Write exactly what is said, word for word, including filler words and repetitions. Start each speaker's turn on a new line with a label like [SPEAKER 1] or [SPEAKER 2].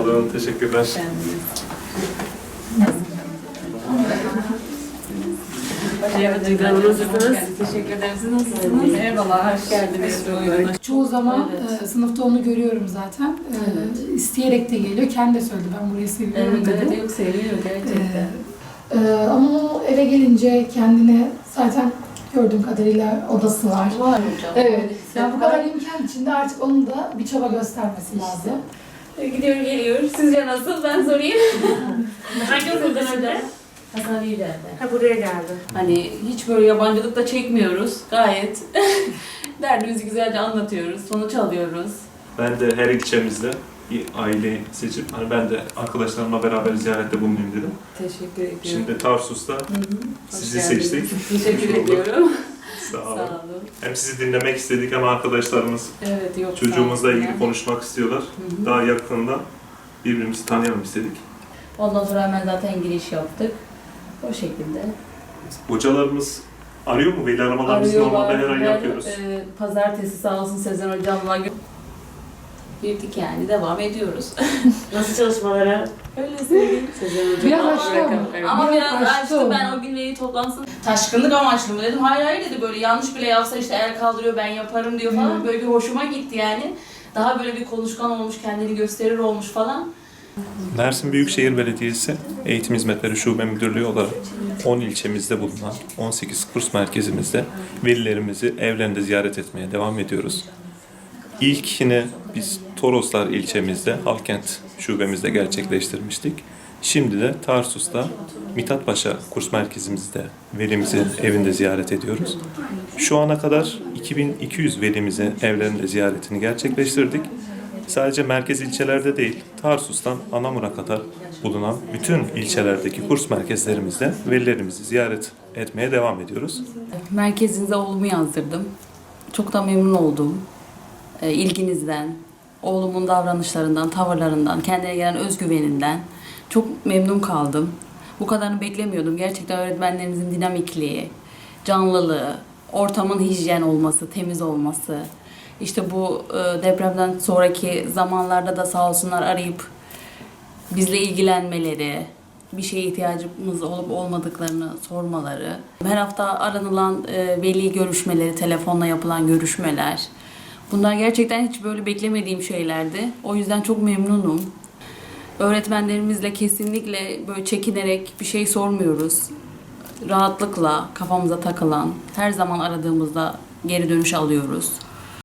[SPEAKER 1] olun, teşekkürler.
[SPEAKER 2] Merhaba, nasılsınız? Teşekkür ederim. Siz nasılsınız? Merhabalar, hoş geldiniz.
[SPEAKER 3] Çoğu zaman
[SPEAKER 2] Evet.
[SPEAKER 3] e, sınıfta onu görüyorum zaten. E,
[SPEAKER 2] Evet.
[SPEAKER 3] isteyerek de geliyor. Kendi de söyledi, ben burayı seviyorum
[SPEAKER 2] Evet,
[SPEAKER 3] dedi.
[SPEAKER 2] evet, yok seviyorum gerçekten.
[SPEAKER 3] E, e, ama o eve gelince kendine zaten gördüğüm kadarıyla odası var.
[SPEAKER 2] Var hocam.
[SPEAKER 3] Evet. Yani bu kadar imkan içinde artık onun da bir çaba göstermesi lazım.
[SPEAKER 2] Gidiyor geliyor. Sizce nasıl? Ben sorayım. Hangi okuldan önce? Hasan İyiler'de.
[SPEAKER 4] Ha, buraya geldi.
[SPEAKER 2] Hani hiç böyle yabancılık da çekmiyoruz. Gayet derdimizi güzelce anlatıyoruz. Sonuç alıyoruz.
[SPEAKER 1] Ben de her ilçemizde bir aile seçip, hani ben de arkadaşlarımla beraber ziyarette bulunayım dedim.
[SPEAKER 2] Teşekkür ediyorum.
[SPEAKER 1] Şimdi Tarsus'ta
[SPEAKER 2] Hı hı.
[SPEAKER 1] sizi
[SPEAKER 2] Hoş geldiniz.
[SPEAKER 1] seçtik.
[SPEAKER 2] Teşekkür
[SPEAKER 1] Hoş bulduk.
[SPEAKER 2] ediyorum.
[SPEAKER 1] Sağ olun.
[SPEAKER 2] Sağ olun.
[SPEAKER 1] Hem sizi dinlemek istedik hem arkadaşlarımız
[SPEAKER 2] Evet, yok.
[SPEAKER 1] çocuğumuzla ilgili
[SPEAKER 2] konu.
[SPEAKER 1] konuşmak istiyorlar.
[SPEAKER 2] Hı hı.
[SPEAKER 1] Daha yakında birbirimizi tanıyalım istedik.
[SPEAKER 2] Ondan sonra hemen zaten giriş yaptık. O şekilde.
[SPEAKER 1] Hocalarımız arıyor mu? Veli aramalarımızı normalde her ay
[SPEAKER 2] her,
[SPEAKER 1] yapıyoruz.
[SPEAKER 2] e, pazartesi sağ olsun Sezen hocamla gö- girdik yani devam ediyoruz.
[SPEAKER 4] Nasıl çalışmalara?
[SPEAKER 2] Öyle söyleyeyim.
[SPEAKER 3] Biraz açtı ama.
[SPEAKER 2] Ama
[SPEAKER 3] Biraz
[SPEAKER 2] biraz
[SPEAKER 3] açtı
[SPEAKER 2] açtı.
[SPEAKER 3] onu.
[SPEAKER 2] Ben o gün veli toplantısını taşkınlık amaçlı mı dedim. Hayır hayır dedi, böyle yanlış bile yapsa işte el kaldırıyor ben yaparım diyor falan. Böyle bir hoşuma gitti yani. Daha böyle bir konuşkan olmuş, kendini gösterir olmuş falan.
[SPEAKER 1] Mersin Büyükşehir Belediyesi Eğitim Hizmetleri Şube Müdürlüğü olarak on ilçemizde bulunan on sekiz kurs merkezimizde velilerimizi evlerinde ziyaret etmeye devam ediyoruz. İlkini biz Toroslar ilçemizde Halkent şubemizde gerçekleştirmiştik. Şimdi de Tarsus'ta Mithatpaşa kurs merkezimizde velimizi evinde ziyaret ediyoruz. Şu ana kadar iki bin iki yüz velimizi evlerinde ziyaretini gerçekleştirdik. Sadece merkez ilçelerde değil, Tarsus'tan Anamur'a kadar bulunan bütün ilçelerdeki kurs merkezlerimizde velilerimizi ziyaret etmeye devam ediyoruz.
[SPEAKER 2] Merkezinize oğlumu yazdırdım. Çok da memnun oldum. E, ilginizden, oğlumun davranışlarından, tavırlarından, kendine gelen özgüveninden çok memnun kaldım. Bu kadarını beklemiyordum. Gerçekten öğretmenlerimizin dinamikliği, canlılığı, ortamın hijyen olması, temiz olması. İşte bu e, depremden sonraki zamanlarda da sağ olsunlar arayıp bizle ilgilenmeleri, bir şeye ihtiyacımız olup olmadıklarını sormaları, her hafta aranılan e, veli görüşmeleri, telefonla yapılan görüşmeler. Bunlar gerçekten hiç böyle beklemediğim şeylerdi. O yüzden çok memnunum. Öğretmenlerimizle kesinlikle böyle çekinerek bir şey sormuyoruz. Rahatlıkla kafamıza takılan, her zaman aradığımızda geri dönüş alıyoruz.